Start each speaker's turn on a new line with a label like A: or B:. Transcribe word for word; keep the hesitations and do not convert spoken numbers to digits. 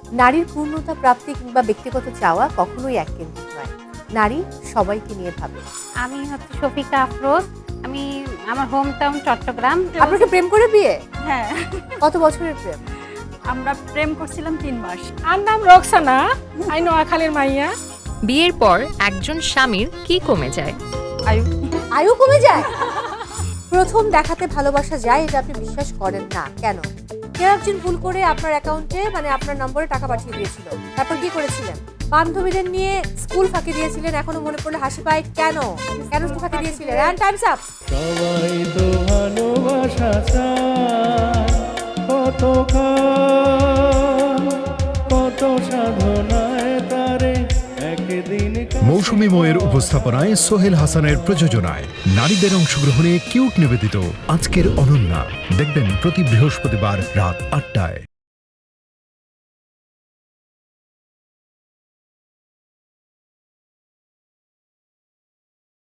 A: নারীর পূর্ণতা প্রাপ্তি কিংবা ব্যক্তিগত চাওয়া কখনোই এককেন্দ্রিক নয়। নারী সবাইকে নিয়ে ভাবে।
B: আমি হচ্ছে শফিকা আফরোজ। আমি আমার হোম টাউন চট্টগ্রাম।
A: আপনাকে প্রেম করে বিয়ে?
C: হ্যাঁ,
A: কত বছরের প্রেম?
C: আমরা প্রেম করছিলাম তিন মাস।
D: আর নাম রক্সানা, আই নোয়াখালীর মাইয়া।
E: বিয়ের পর একজন স্বামীর কি কমে যায়?
C: আয়ু
A: আয়ু কমে যায়? প্রথম দেখাতে ভালোবাসা যায় এটা আপনি বিশ্বাস করেন না কেন? কেউ একজন ভুল করে আপনার অ্যাকাউন্টে মানে আপনার নম্বরে টাকা পাঠিয়ে দিয়েছিল, তারপর কি করেছিলেন? বান্ধবীদের নিয়ে স্কুল ফাঁকি দিয়েছিলেন, এখনো মনে পড়লে হাসি পায়। কেন কেন স্কুল ফাঁকি দিয়েছিলেন? And time's up.
F: সবাই তো ভালোবাসা চায়, কত কাল, কত সাধনায় তারে একদিন।
G: মৌসুমী ময়ের উপস্থাপনায় সোহেল হাসানের প্রযোজনায় নারীদের অংশগ্রহণে কিউট নিবেদিত আজকের অনন্যা দেখবেন প্রতি বৃহস্পতিবার রাত আটটায়।